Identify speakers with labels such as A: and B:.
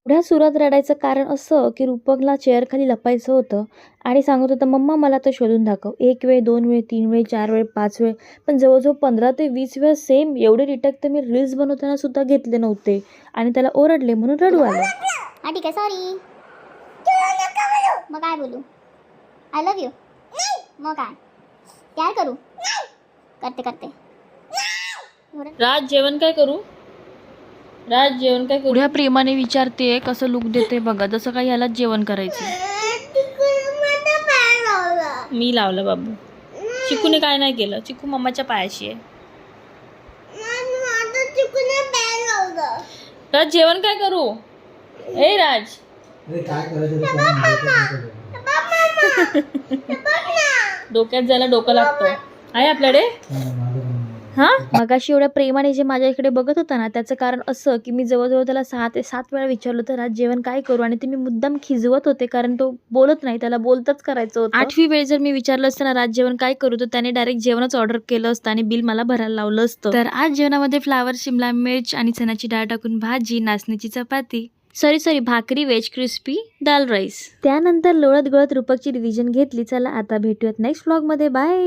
A: एवढ्या सुरात रडायचं कारण असं की रूपकला चेअरखाली लपायचं होतं आणि सांगत होता, मम्मा मला तर शोधून दाखव. 1 वेळ, 2 वेळ, 3 वेळ, 4 वेळ, 5 वेळ, पण जवळजवळ 15 ते 20 वेळा सेम एवढे रिटेक तर मी रील्स बनवताना सुद्धा घेतले नव्हते आणि त्याला ओरडले म्हणून रडू आलं.
B: हा ठीक आहे, सॉरी. मग काय बोलू? I love you. मग काय करू? करते.
C: राज जेवण काय करू? राज जेवण काय करू?
A: एवढ्या प्रेमाने विचारते, कसं लुक देते बघा, जसं काही यालाच जेवण करायचं.
C: मी लावलं बाबू. चिकूने काय नाही केलं. चिकू मम्माच्या पायाशी आहे. राज जेवण काय करू? ए राज डोक्यात जायला डोकं लागतं आहे आपल्याकडे. हा
A: मगाशी एवढ्या प्रेमाने जे माझ्या इकडे बघत होता ना, त्याचं कारण असं की मी जवळजवळ त्याला 6 ते 7 वेळा विचारलं तर आज जेवण काय करू, आणि ते मी मुद्दाम खिजवत होते कारण तो बोलत नाही, त्याला बोलतच करायचं होतं. 8वी वेळ जर मी विचारलं असतं ना राज जेवण काय करू, तर त्याने डायरेक्ट जेवणच ऑर्डर केलं असतं आणि बिल मला भरायला लावलं असतं. तर आज जेवणामध्ये फ्लावर, शिमला मिर्च आणि चण्याची डाळ टाकून भाजी, नाचणीची चपाती, सॉरी भाकरी, वेज क्रिस्पी, दाल राईस. त्यानंतर लोळत गळत रूपकची रिव्हिजन घेतली. चला आता भेटूयात नेक्स्ट व्लॉग मध्ये. बाय.